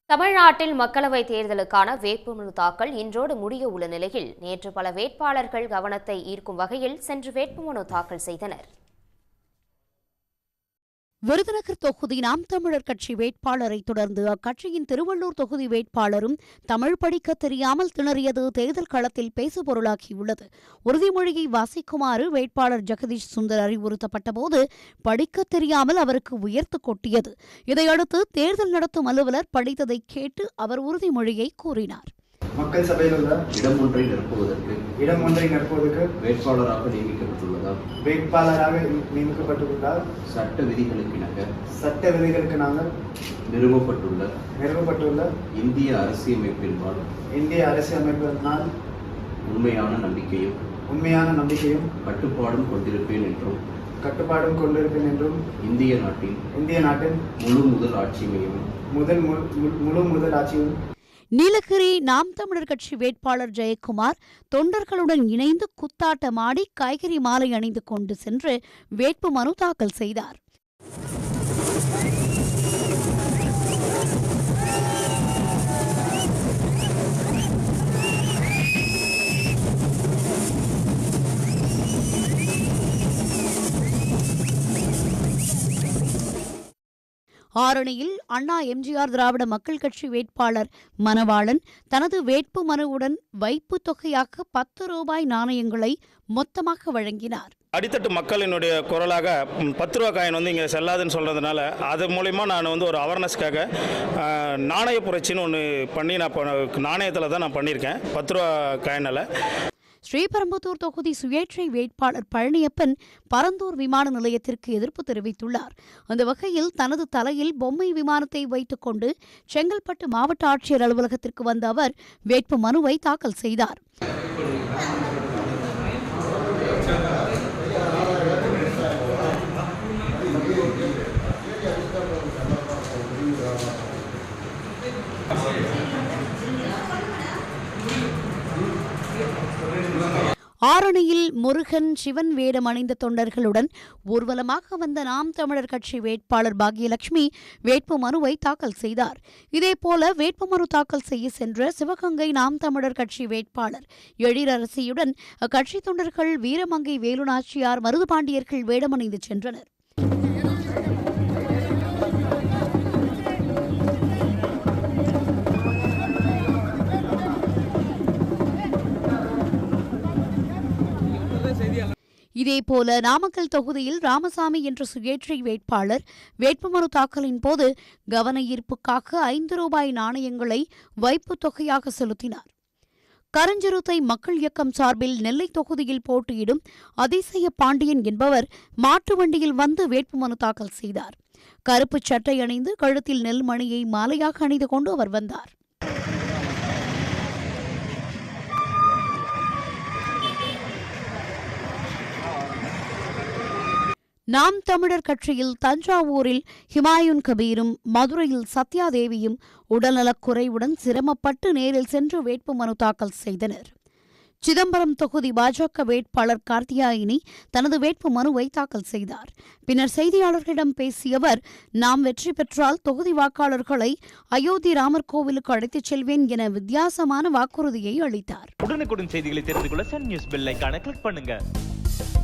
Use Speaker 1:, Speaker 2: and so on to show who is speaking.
Speaker 1: தமிழ்நாட்டில் மக்களவைத் தேர்தலுக்கான வேட்புமனு தாக்கல் இன்றோடு முடிய உள்ள நிலையில் நேற்று பல வேட்பாளர்கள் கவனத்தை ஈர்க்கும் வகையில் சென்று வேட்புமனு தாக்கல் செய்தனர்.
Speaker 2: விருதுநகர் தொகுதி நாம் தமிழர் கட்சி வேட்பாளரை தொடர்ந்து அக்கட்சியின் திருவள்ளூர் தொகுதி வேட்பாளரும் தமிழ் படிக்க தெரியாமல் திணறியது தேர்தல் களத்தில் பேசுபொருளாகியுள்ளது. உறுதிமொழியை வாசிக்குமாறு வேட்பாளர் ஜெகதீஷ் சுந்தர் அறிவுறுத்தப்பட்டபோது படிக்க தெரியாமல் அவருக்கு உயர்த்து கொட்டியது. இதையடுத்து தேர்தல் நடத்தும் அலுவலர் படித்ததை கேட்டு அவர் உறுதிமொழியை கூறினார்.
Speaker 3: மக்கள் சபையில் உள்ள
Speaker 4: இடம் ஒன்றை நிரப்புவதற்கு வேட்பாளராக
Speaker 3: நியமிக்கப்பட்டுள்ளார்.
Speaker 4: சட்ட விதிகளுக்கு
Speaker 3: நாங்கள்
Speaker 4: நிறுவப்பட்டுள்ள இந்திய அரசியலமைப்பினால்
Speaker 3: உண்மையான நம்பிக்கையும்
Speaker 4: கட்டுப்பாடும் கொண்டிருப்பேன் என்றும்
Speaker 3: இந்திய நாட்டின் முழு முதல் ஆட்சியும்
Speaker 2: நீலகிரி நாம் தமிழர் கட்சி வேட்பாளர் ஜெயக்குமார் தொண்டர்களுடன் இணைந்து குத்தாட்டமாடி காய்கறி மாலை அணிந்து கொண்டு சென்று வேட்புமனு தாக்கல் செய்தார். ஆரணியில் அண்ணா எம்ஜிஆர் திராவிட மக்கள் கட்சி வேட்பாளர் மணவாளன் தனது வேட்பு மனுவுடன் வைப்பு தொகையாக 10 ரூபாய் நாணயங்களை மொத்தமாக வழங்கினார்.
Speaker 5: அடித்தட்டு மக்களினுடைய குரலாக 10 ரூபா காயின் இங்கே செல்லாதுன்னு சொல்கிறதுனால அது மூலிமா நான் ஒரு அவேர்னஸ்க்காக நாணய புரட்சின்னு ஒன்று பண்ணி நாணயத்தில் தான் நான் பண்ணியிருக்கேன் 10 ரூபா காயினால். ஸ்ரீபெரும்புதூர் தொகுதி சுயேட்சை வேட்பாளர் பழனியப்பன் பரந்தூர் விமான நிலையத்திற்கு எதிர்ப்பு தெரிவித்துள்ளார். அந்த வகையில் தனது தலையில் பொம்மை விமானத்தை வைத்துக் கொண்டு செங்கல்பட்டு மாவட்ட ஆட்சியர் அலுவலகத்திற்கு வந்த அவர் வேட்பு மனுவை தாக்கல் செய்தார். ஆரணியில் முருகன் சிவன் வேடம் அணிந்த தொண்டர்களுடன் ஊர்வலமாக வந்த நாம் தமிழர் கட்சி வேட்பாளர் பாக்யலட்சுமி வேட்பு மனுவை தாக்கல் செய்தார். இதேபோல வேட்புமனு தாக்கல் செய்ய சென்ற சிவகங்கை நாம் தமிழர் கட்சி வேட்பாளர் எழிலரசியுடன் அக்கட்சி தொண்டர்கள் வீரமங்கை வேலுநாச்சியார் மருதுபாண்டியர்கள் வேடமணிந்து சென்றனர். இதேபோல நாமக்கல் தொகுதியில் ராமசாமி என்ற சுயேட்சை வேட்பாளர் வேட்புமனு தாக்கலின் போது கவன ஈர்ப்புக்காக 5 ரூபாய் நாணயங்களை வைப்பு தொகையாக செலுத்தினார். கரஞ்சிறுத்தை மக்கள் இயக்கம் சார்பில் நெல்லை தொகுதியில் போட்டியிடும் அதிசய பாண்டியன் என்பவர் மாட்டு வண்டியில் வந்து வேட்புமனு தாக்கல் செய்தார். கருப்பு சட்டை அணிந்து கழுத்தில் நெல்மணியை மாலையாக அணிந்து கொண்டு அவர் வந்தார். நாம் தமிழர் கட்சியில் தஞ்சாவூரில் ஹிமாயுன் கபீரும் மதுரையில் சத்யாதேவியும் உடல்நலக்குறைவுடன் சிரமப்பட்டு நேரில் சென்று வேட்புமனு தாக்கல் செய்தனர். சிதம்பரம் தொகுதி பாஜக வேட்பாளர் கார்த்தியாயினி தனது வேட்பு மனுவை தாக்கல் செய்தார். பின்னர் செய்தியாளர்களிடம் பேசிய அவர், நாம் வெற்றி பெற்றால் தொகுதி வாக்காளர்களை அயோத்தி ராமர் கோவிலுக்கு அழைத்துச் செல்வேன் என வித்தியாசமான வாக்குறுதியை அளித்தார்.
Speaker 6: உடனுக்குடன் செய்திகளை தெரிந்து கொள்ள சன் நியூஸ் பெல் ஐகானை கிளிக் பண்ணுங்க.